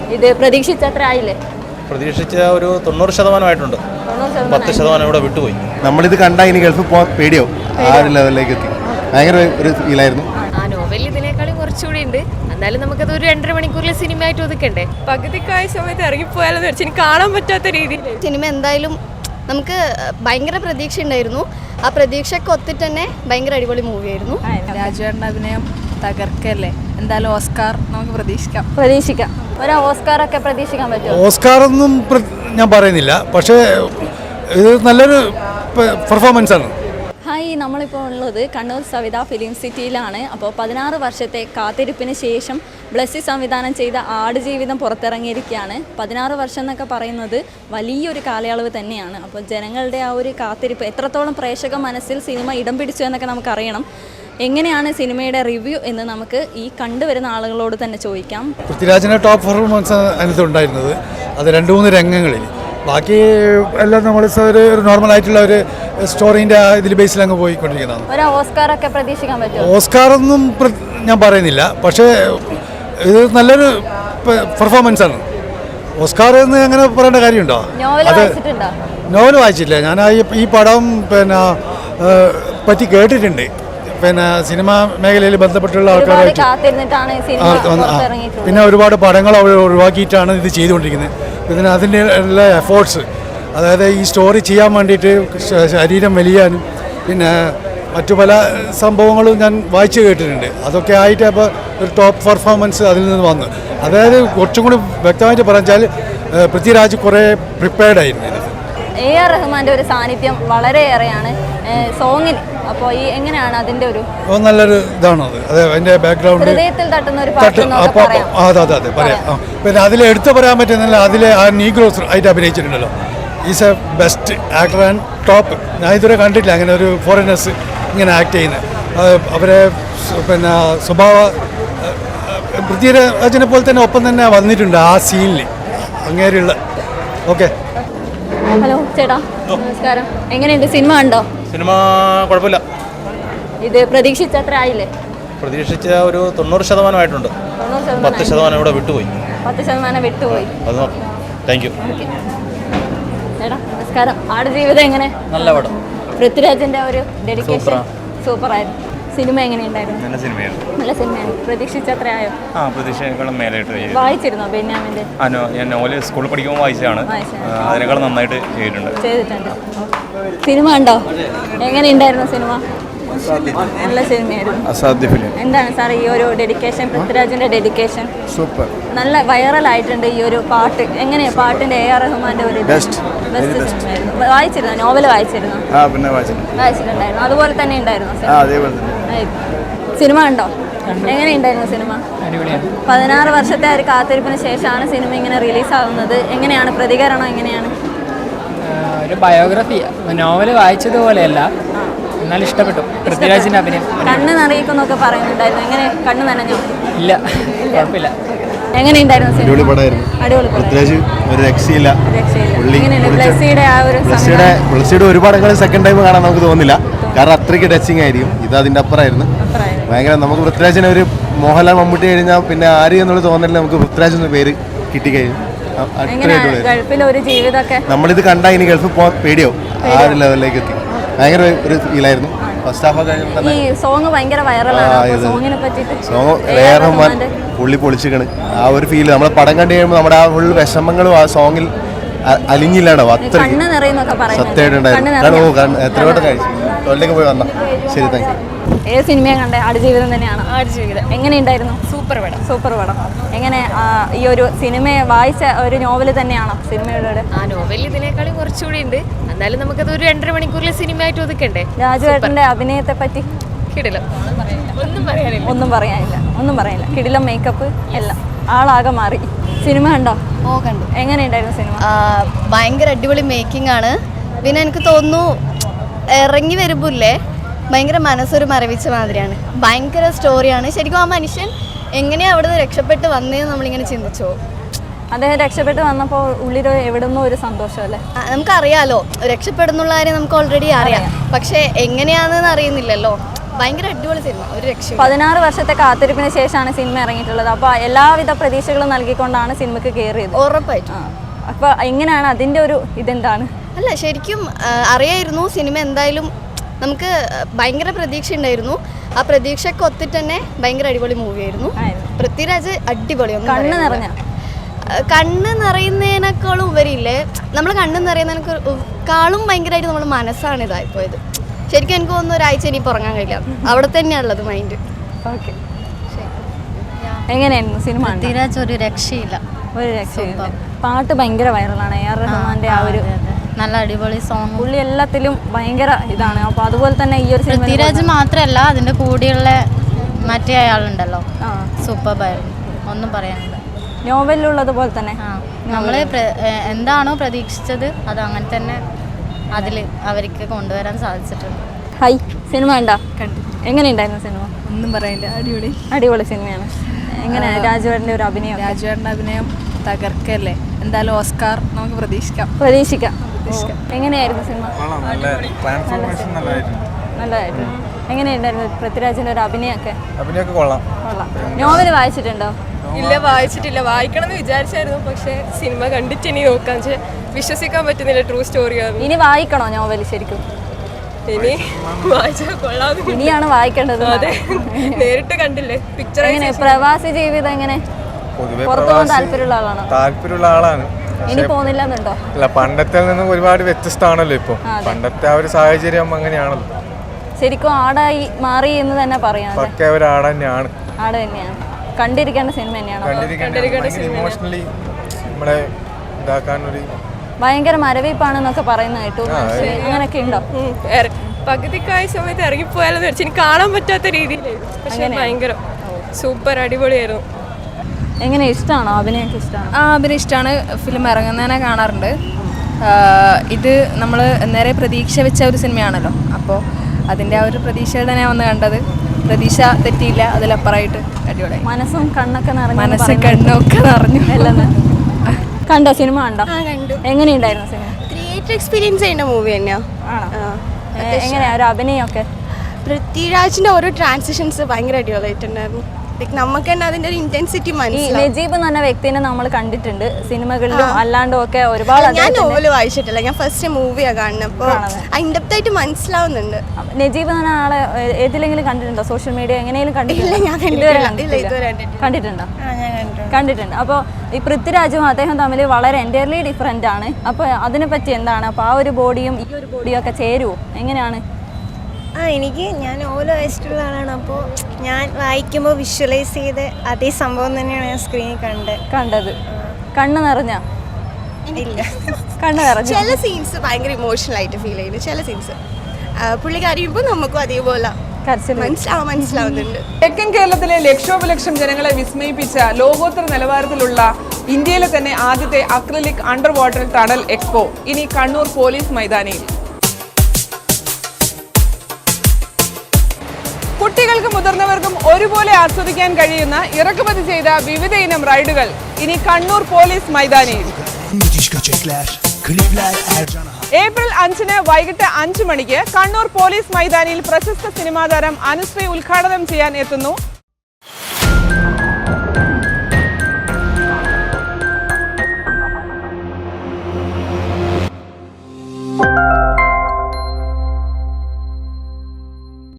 ഇത് പ്രതീക്ഷിച്ച അത്ര ആയില്ലേ? പ്രതീക്ഷിച്ച ഒരു 90% 10% ഇവിടെ വിട്ടുപോയി. നമ്മളിത് കണ്ടാൽ ഇനി ഗൾഫിൽ പോകാൻ പേടിയാവും. ആ ഒരു ലെവലിലേക്ക് എത്തി. ഭയങ്കര ഒരു ഫീലായിരുന്നു. ആ നോവൽ ഇതിനേക്കാളും കുറച്ചുകൂടി ഉണ്ട്. എന്നാലും നമുക്കത് ഒരു 2.5 മണിക്കൂറിൽ സിനിമ ആയിട്ട് ഒതുക്കണ്ടേ? പകുതിക്കായ സമയത്ത് ഇറങ്ങിപ്പോയാലെന്ന് വെച്ചാൽ എനിക്ക് കാണാൻ പറ്റാത്ത രീതിയിൽ സിനിമ എന്തായാലും നമുക്ക് ഭയങ്കര പ്രതീക്ഷ ഉണ്ടായിരുന്നു. ആ പ്രതീക്ഷയ്ക്ക് ഒത്തിട്ട് തന്നെ ഭയങ്കര അടിപൊളി മൂവിയായിരുന്നു. രാജുവേട്ടൻ്റെ അഭിനയം തകർക്കല്ലേ. എന്തായാലും ഓസ്കാർ നമുക്ക് പ്രതീക്ഷിക്കാം. ഒരു ഓസ്കാർ ഒക്കെ പ്രതീക്ഷിക്കാൻ പറ്റുമോ? ഓസ്കാർ ഒന്നും ഞാൻ പറയുന്നില്ല, പക്ഷേ ഇത് നല്ലൊരു പെർഫോമൻസ് ആണ്. ഹായ്, നമ്മളിപ്പോൾ ഉള്ളത് കണ്ണൂർ സവിത ഫിലിം സിറ്റിയിലാണ്. അപ്പോൾ 16 വർഷത്തെ കാത്തിരിപ്പിന് ശേഷം ബ്ലസ്സി സംവിധാനം ചെയ്ത ആടുജീവിതം പുറത്തിറങ്ങിയിരിക്കുകയാണ്. 16 വർഷം എന്നൊക്കെ പറയുന്നത് വലിയൊരു കാലയളവ് തന്നെയാണ്. അപ്പോൾ ജനങ്ങളുടെ ആ ഒരു കാത്തിരിപ്പ് എത്രത്തോളം പ്രേക്ഷക മനസ്സിൽ സിനിമ ഇടം പിടിച്ചു എന്നൊക്കെ നമുക്കറിയണം. എങ്ങനെയാണ് സിനിമയുടെ റിവ്യൂ എന്ന് നമുക്ക് ഈ കണ്ടുവരുന്ന ആളുകളോട് തന്നെ ചോദിക്കാം. പൃഥ്വിരാജിൻ്റെ ടോപ്പ് പെർഫോമൻസ് അതിനകത്ത് ഉണ്ടായിരുന്നത്. അത് 2-3 രംഗങ്ങളിൽ. ബാക്കി എല്ലാം നമ്മൾ ഒരു നോർമലായിട്ടുള്ള ഒരു സ്റ്റോറീൻ്റെ ഇതിൽ ബേസിൽ അങ്ങ് പോയിക്കൊണ്ടിരിക്കുന്നതാണ്. ഒരു ഓസ്കാർ ഒക്കെ പ്രതീക്ഷിക്കാൻ പറ്റുമോ? ഓസ്കാർ ഒന്നും ഞാൻ പറയുന്നില്ല, പക്ഷേ ഇത് നല്ലൊരു പെർഫോമൻസ് ആണ്. ഓസ്കാർ എന്ന് അങ്ങനെ പറയേണ്ട കാര്യമുണ്ടോ? നോവൽ വായിച്ചില്ല ഞാൻ. ഈ പടം പറ്റി കേട്ടിട്ടുണ്ട്. സിനിമാ മേഖലയിൽ ബന്ധപ്പെട്ടുള്ള ആൾക്കാരായിട്ട്. പിന്നെ ഒരുപാട് പടങ്ങൾ അവർ ഒഴിവാക്കിയിട്ടാണ് ഇത് ചെയ്തുകൊണ്ടിരിക്കുന്നത്. ഇതിന് അതിൻ്റെ എല്ലാ എഫേർട്സ്, അതായത് ഈ സ്റ്റോറി ചെയ്യാൻ വേണ്ടിയിട്ട് ശരീരം വലിയാനും പിന്നെ മറ്റു പല സംഭവങ്ങളും ഞാൻ വായിച്ചു കേട്ടിട്ടുണ്ട്. അതൊക്കെ ആയിട്ട് അപ്പോൾ ഒരു ടോപ്പ് പെർഫോമൻസ് അതിൽ നിന്ന് വന്നു. അതായത് കുറച്ചും കൂടി വ്യക്തമായിട്ട് പറഞ്ഞാൽ പൃഥ്വിരാജ് കുറേ പ്രിപ്പയർഡ് ആയിരുന്നു. AR റഹ്മാൻ്റെ ഒരു സാന്നിധ്യം വളരെയേറെയാണ് സോങ്ങിൽ. അപ്പോൾ ഈ എങ്ങനെയാണ് അതിൻ്റെ ഒരു നല്ലൊരു ഇതാണത്. അത് അതിൻ്റെ ബാക്ക്ഗ്രൗണ്ട് ഹൃദയത്തിൽ തട്ടുന്ന ഒരു പാട്ട്. അതെ പറയാം. പിന്നെ അതിൽ എടുത്തു പറയാൻ പറ്റുന്നില്ല, അതിൽ ആ നീഗ്രോസ് ആയിട്ട് അഭിനയിച്ചിട്ടുണ്ടല്ലോ. Is a best actor and top. ഞാൻ ഇതുവരെ കണ്ടിട്ടില്ല അങ്ങനെ ഒരു ഫോറിനേഴ്സ് ഇങ്ങനെ ആക്ട് ചെയ്യുന്നത്. അവരെ പിന്നെ സ്വഭാവ പൃഥ്വിരാജിനെ പോലെ തന്നെ ഒപ്പം തന്നെ വന്നിട്ടുണ്ട് ആ സീനിൽ അങ്ങേരെയുള്ള. ഓക്കെ, ഹലോ ചേട്ടാ, നമസ്കാരം. എങ്ങനെയുണ്ട് സിനിമ? കണ്ടോ? സിനിമ കുഴപ്പമില്ല. ഇത് പ്രതീക്ഷിച്ച അത്ര ആയില്ലേ? പ്രതീക്ഷിച്ച ഒരു 90% 10% ഇവിടെ വിട്ടുപോയി. 10% വിട്ടുപോയി. Thank you. ചേട്ടാ നമസ്കാരം. ആടുജീവിതം എങ്ങനെ? നല്ല പടം. പൃഥ്വിരാജിന്റെ ഒരു ഡെഡിക്കേഷൻ സൂപ്പറായിരുന്നു. സിനിമ എങ്ങനെയുണ്ടായിരുന്നു? നല്ല സിനിമയാണ്. പ്രതീക്ഷിച്ച അത്ര ആയോ? പ്രതീക്ഷയെക്കാളും മേലായിട്ട് വായിച്ചിരുന്നോ ബെന്യാമിന്റെ? ഞാൻ നോവല് സ്കൂളിൽ പഠിക്കുമ്പോൾ വായിച്ചതാണ്. അതിനേക്കാൾ നന്നായിട്ട് ചെയ്തിട്ടുണ്ട്. സിനിമ കണ്ടോ? എങ്ങനെയുണ്ടായിരുന്നു സിനിമ? നല്ല സിനിമയായിരുന്നു. അസാധ്യ ഫിലിം. എന്താണ് സാർ ഈ ഒരു ഡെഡിക്കേഷൻ, പൃഥ്വിരാജിന്റെ ഡെഡിക്കേഷൻ? സൂപ്പർ. നല്ല വൈറൽ ആയിട്ടുണ്ട് ഈ ഒരു പാട്ട്. എങ്ങനെയാ പാട്ടിന്റെ AR റഹ്മാന്റെ ഒരു ബെസ്റ്റ് വായിച്ചിരുന്നോ? നോവൽ വായിച്ചിരുന്നോ? പിന്നെ വായിച്ചിട്ടുണ്ടായിരുന്നു. അതുപോലെ തന്നെ ഉണ്ടായിരുന്നു സിനിമ. കണ്ടോ? എങ്ങനെയുണ്ടായിരുന്നു സിനിമ? 16 വർഷത്തെ ഒരു കാത്തിരിപ്പിന് ശേഷമാണ് സിനിമ ഇങ്ങനെ റിലീസാവുന്നത്. എങ്ങനെയാണ് പ്രതികരണം? എങ്ങനെയാണ്? ഒരു ബയോഗ്രഫി, നോവൽ വായിച്ചതുപോലെയല്ല, എന്നാലും ഇഷ്ടപ്പെട്ടു. പൃഥ്വിരാജിന്റെ അഭിനയം കണ്ണ് നിറയിക്കുന്നൊക്കെ പറയുന്നുണ്ടായിരുന്നു. എങ്ങനെ കണ്ണ് നനഞ്ഞോ? ഇല്ല, കുഴപ്പമില്ല. എങ്ങനെയുണ്ടായിരുന്നു സിനിമ? അടിപൊളി പടമായിരുന്നു. പൃഥ്വിരാജ് ഒരു രക്ഷയില്ല. ബ്ലസ്സിയുടെ ഒരുപാട് സെക്കൻഡ് ടൈം കാണാൻ നമുക്ക് തോന്നില്ല, കാരണം അത്രയ്ക്ക് ടച്ചിങ് ആയിരിക്കും. ഇത് അതിൻ്റെ അപ്പുറമായിരുന്നു. ഭയങ്കര നമുക്ക് പൃഥ്വിരാജിനെ ഒരു മോഹൻലാൽ മമ്മൂട്ടി കഴിഞ്ഞാൽ പിന്നെ ആര് എന്നുള്ള തോന്നലിൽ നമുക്ക് പൃഥ്വിരാജ് എന്ന പേര് കിട്ടിക്കഴിഞ്ഞു. നമ്മളിത് കണ്ടാൽ ഇനി ഗൾഫിൽ പോകാൻ പേടിയാവും. ആ ഒരു ലെവലിലേക്ക് എത്തി. ഭയങ്കര ഒരു ഫീലായിരുന്നു. ഫസ്റ്റ് ഹാഫ് കഴിഞ്ഞപ്പോൾ സോങ് ഭയങ്കര വൈറലാണ്. റഹ്മാൻ പുള്ളി പൊളിച്ചിക്കണ്. ആ ഒരു ഫീല് നമ്മളെ പടം കണ്ടു കഴിയുമ്പോൾ നമ്മുടെ ആ ഫുൾ വിഷമങ്ങളും ആ സോങ്ങിൽ അലിഞ്ഞില്ലാണോ അത്രയ്ക്ക് സത്യമായിട്ടുണ്ടായിരുന്നു. എത്രയോട്ട് കഴിച്ചു തൊഴിലേക്ക് പോയി വന്ന. ശരി, താങ്ക് യു. ഏത് സിനിമയെ കണ്ടേ? ആടുജീവിതം തന്നെയാണ്. ആടുജീവിതം എങ്ങനെയുണ്ടായിരുന്നു? സൂപ്പർ പടം. എങ്ങനെ ഈ ഒരു സിനിമയെ വായിച്ച ഒരു നോവൽ തന്നെയാണോ സിനിമയുടെ? ആ നോവൽ ഇതിനേക്കാളും കുറച്ചുകൂടി ഉണ്ട്. എന്നാലും നമുക്കത് ഒരു 2.5 മണിക്കൂറിൽ സിനിമ ആയിട്ട് ഒതുക്കണ്ടേ? രാജുവേട്ടന്റെ അഭിനയത്തെ പറ്റി ഒന്നും പറയാനില്ല. കിടിലം മേക്കപ്പ് എല്ലാം, ആളാകെ മാറി. സിനിമ കണ്ടോ? കണ്ടു. എങ്ങനെയുണ്ടായിരുന്നു സിനിമ? ഭയങ്കര അടിപൊളി മേക്കിംഗ് ആണ്. പിന്നെ എനിക്ക് തോന്നുന്നു ഇറങ്ങി വരുമ്പോല്ലേ ഭയങ്കര മനസ്സൊരു മരവിച്ച മാതിരിയാണ്. ഭയങ്കര സ്റ്റോറിയാണ്. ശരിക്കും ആ മനുഷ്യൻ എങ്ങനെയാണ് അവിടെ നിന്ന് രക്ഷപ്പെട്ട് വന്നതെന്ന് നമ്മളിങ്ങനെ ചിന്തിച്ചോ. അദ്ദേഹം രക്ഷപ്പെട്ട് വന്നപ്പോൾ ഉള്ളിൽ എവിടുന്നോ ഒരു സന്തോഷമല്ലേ? നമുക്കറിയാലോ രക്ഷപ്പെടുന്നുള്ള കാര്യം നമുക്ക് ഓൾറെഡി അറിയാം. പക്ഷെ എങ്ങനെയാണെന്ന് അറിയുന്നില്ലല്ലോ. ഭയങ്കര അടിപൊളി സിനിമ, ഒരു രക്ഷയും 16 വർഷത്തെ കാത്തിരിപ്പിന് ശേഷമാണ് സിനിമ ഇറങ്ങിയിട്ടുള്ളത്. അപ്പോൾ എല്ലാവിധ പ്രതീക്ഷകളും നൽകിക്കൊണ്ടാണ് സിനിമയ്ക്ക് കയറിയത്. ഉറപ്പായിട്ടും. അപ്പോൾ എങ്ങനെയാണ് അതിൻ്റെ ഒരു ഇതെന്താണ്? അല്ല, ശരിക്കും അറിയായിരുന്നു സിനിമ എന്തായാലും നമുക്ക് ഭയങ്കര പ്രതീക്ഷ ഉണ്ടായിരുന്നു. ആ പ്രതീക്ഷയ്ക്ക് ഒത്തിട്ട് തന്നെ ഭയങ്കര അടിപൊളി മൂവിയായിരുന്നു. പൃഥ്വിരാജ് അടിപൊളി, കണ്ണ് നിറയുന്നതിനേക്കാളും ഉപരിയില്ലേ, നമ്മൾ കണ്ണ് നിറയുന്നതിനേക്കാളും ഭയങ്കരമായിട്ട് നമ്മൾ മനസ്സാണ് ഇതായിപ്പോയത്. ശരിക്കും എനിക്ക് തോന്നുന്നു ഒരാഴ്ച ഇനിയിപ്പോൾ ഉറങ്ങാൻ കഴിയില്ല, അവിടെ തന്നെയാണുള്ളത് മൈൻഡ്. ഓക്കെ, എങ്ങനെയായിരുന്നു സിനിമ? പൃഥ്വിരാജ് ഒരു രക്ഷയില്ല, ഒരു രക്ഷയില്ല. പാട്ട് ഭയങ്കര വൈറലാണ്. AR റഹ്മാന്റെ ആ ഒരു നല്ല അടിപൊളി സോങ്. പുള്ളി എല്ലാത്തിലും ഭയങ്കര ഇതാണ്. അപ്പോൾ അതുപോലെ തന്നെ ഈ ഒരു പൃഥ്വിരാജ് മാത്രമല്ല, അതിൻ്റെ കൂടെയുള്ള മറ്റേ അയാളുണ്ടല്ലോ, സൂപ്പർബായിരുന്നു, ഒന്നും പറയാനില്ല. നോവലിലുള്ളത് പോലെ തന്നെ നമ്മൾ എന്താണോ പ്രതീക്ഷിച്ചത് അത് അങ്ങനെ തന്നെ അതിൽ അവർക്ക് കൊണ്ടുവരാൻ സാധിച്ചിട്ടുണ്ട്. ഹൈ, സിനിമ ഉണ്ടോ? എങ്ങനെയുണ്ടായിരുന്നു സിനിമ? ഒന്നും പറയില്ല, അടിപൊളി അടിപൊളി സിനിമയാണ്. എങ്ങനെയാണ് രാജുവേട്ടൻ്റെ ഒരു അഭിനയം? രാജുവേട്ടൻ്റെ അഭിനയം തകർക്കല്ലേ, എന്തായാലും ഓസ്കാർ നമുക്ക് പ്രതീക്ഷിക്കാം. എങ്ങനെയായിരുന്നു സിനിമ? നല്ലതായിരുന്നു. എങ്ങനെയുണ്ടായിരുന്നു പൃഥ്വിരാജിൻ്റെ ഒരു അഭിനയമൊക്കെ? കൊള്ളാം. നോവൽ വായിച്ചിട്ടുണ്ടോ? ഇല്ല, വായിച്ചിട്ടില്ല. വായിക്കണം എന്ന് വിചാരിച്ചായിരുന്നു, പക്ഷേ സിനിമ കണ്ടിട്ട് ഇനി നോക്കാൻ വിശ്വസിക്കാൻ പറ്റുന്നില്ല. ട്രൂ സ്റ്റോറിയാണ്. ഇനി വായിക്കണോ നോവൽ? ശരിക്കും ഇനി വായിച്ചാൽ കൊള്ളാം. ഇനിയാണ് വായിക്കേണ്ടത്. അതെ, നേരിട്ട് കണ്ടില്ലേ പിക്ചർ. എങ്ങനെ പ്രവാസി ജീവിതം എങ്ങനെ? പുറത്തു പോകാൻ താല്പര്യമുള്ള ആളാണ്. ഇനി പോകുന്നില്ലെന്നുണ്ടോ? അല്ല, പണ്ടത്തെ നിന്ന് ഒരുപാട് വ്യത്യസ്തമാണല്ലോ ഇപ്പോൾ. പണ്ടത്തെ ആ ഒരു സാഹചര്യം അങ്ങനെയാണല്ലോ. ശരിക്കും ആടായി മാറി എന്ന് തന്നെ പറയാം. പക്ക ഒരു ആട് തന്നെയാണ്. ആട് തന്നെയാണ്. കണ്ടിരിക്കേണ്ട സിനിമ തന്നെയാണ്. ഇമോഷണലി നമ്മളെ ഇതാക്കാനൊരു ഭയങ്കര മരവിപ്പാണെന്നൊക്കെ പറയുന്ന കേട്ടു. അങ്ങനെയൊക്കെ ഉണ്ടോ? പകുതിക്കായ സമയത്ത് ഇറങ്ങിപ്പോയാലെന്ന് വെച്ചാൽ എനിക്ക് കാണാൻ പറ്റാത്ത രീതിയിലായിരുന്നു. പക്ഷെ ഭയങ്കര സൂപ്പർ അടിപൊളിയായിരുന്നു. എങ്ങനെ, ഇഷ്ടമാണോ? അഭിനയമൊക്കെ ഇഷ്ടമാണോ? അഭിനയം ഇഷ്ടമാണ്. ഫിലിം ഇറങ്ങുന്നതിനെ കാണാറുണ്ട്. ഇത് നമ്മൾ നേരെ പ്രതീക്ഷ വെച്ച ഒരു സിനിമയാണല്ലോ, അപ്പോൾ അതിൻ്റെ ആ ഒരു പ്രതീക്ഷയുടെ തന്നെ വന്ന് കണ്ടത്. പ്രതീക്ഷ തെറ്റിയില്ല, അതിലപ്പുറമായിട്ട് അടിപൊളിയായി. മനസ്സും കണ്ണൊക്കെ നിറഞ്ഞു. കണ്ണൊക്കെ നിറഞ്ഞു. കണ്ടോ? സിനിമ കണ്ടോ? എങ്ങനെയുണ്ടായിരുന്നു സിനിമ? തിയേറ്റർ എക്സ്പീരിയൻസ് ചെയ്യുന്ന മൂവി തന്നെയാണ്. എങ്ങനെയാ ഒരു അഭിനയമൊക്കെ? പൃഥ്വിരാജിന്റെ ഓരോ ട്രാൻസിഷൻസ് ഭയങ്കര അടിപൊളിയായിട്ടുണ്ടായിരുന്നു. നമുക്ക് തന്നെ അതിന്റെ ഒരു ഇന്റൻസിറ്റി മനസ്സിലാവും. നജീബ് എന്ന് പറഞ്ഞ വ്യക്തിനെ നമ്മൾ കണ്ടിട്ടുണ്ട് സിനിമകളിലും അല്ലാണ്ടും ഒക്കെ ഒരുപാട്. ഞാൻ നോവല് വായിച്ചിട്ടില്ല, ഞാൻ ഫസ്റ്റ് മൂവിയാണ് കാണുന്നത്. അപ്പോൾ ഇൻഡെപ്ത് ആയിട്ട് മനസ്സിലാവുന്നുണ്ട്. നജീബ് എന്ന ആളെ ഏതിലെങ്കിലും കണ്ടിട്ടുണ്ടോ? സോഷ്യൽ മീഡിയ എങ്ങനെയും കണ്ടിട്ടുണ്ടോ? കണ്ടിട്ടുണ്ട്. അപ്പോൾ ഈ പൃഥ്വിരാജും അദ്ദേഹം തമ്മിൽ വളരെ എൻറ്റയർലി ഡിഫറെൻ്റ് ആണ്. അപ്പോൾ അതിനെപ്പറ്റി എന്താണ്? അപ്പോൾ ആ ഒരു ബോഡിയും ഈ ഒരു ബോഡിയും ഒക്കെ ചേരുമോ? എങ്ങനെയാണ്? ഞാൻ നോവൽ വായിച്ചിട്ടുള്ള ആളാണ്. അപ്പോൾ ഞാൻ വായിക്കുമ്പോൾ വിഷ്വലൈസ് ചെയ്ത് അതേ സംഭവം തന്നെയാണ് ഞാൻ സ്ക്രീനിൽ കണ്ടത്. കണ്ണ് നിറഞ്ഞ? ഇല്ല, കണ്ണ് നിറഞ്ഞ. ചില സീൻസ് ഭയങ്കര ഇമോഷണൽ ആയിട്ട് ഫീൽ ചെയ്യുന്നു. ചില സീൻസ് പുള്ളി കരയുമ്പോൾ നമുക്കും അതേപോലെ മനസ്സിലാവുന്നുണ്ട്. തെക്കൻ കേരളത്തിലെ ലക്ഷോപലക്ഷം ജനങ്ങളെ വിസ്മയിപ്പിച്ച ലോകോത്തര നിലവാരത്തിലുള്ള ഇന്ത്യയിലെ തന്നെ ആദ്യത്തെ acrylic under water tunnel expo ഇനി കണ്ണൂർ പോലീസ് മൈതാനിയിൽ. കുട്ടികൾക്കും മുതിർന്നവർക്കും ഒരുപോലെ ആസ്വദിക്കാൻ കഴിയുന്ന ഇറക്കുമതി ചെയ്ത വിവിധ ഇനം റൈഡുകൾ ഇനി കണ്ണൂർ പോലീസ് മൈതാനിയിൽ. ഏപ്രിൽ 5-ന് വൈകിട്ട് 5 മണിക്ക് കണ്ണൂർ പോലീസ് മൈതാനിയിൽ പ്രശസ്ത സിനിമാ താരം അനുശ്രീ ഉദ്ഘാടനം ചെയ്യാൻ എത്തുന്നു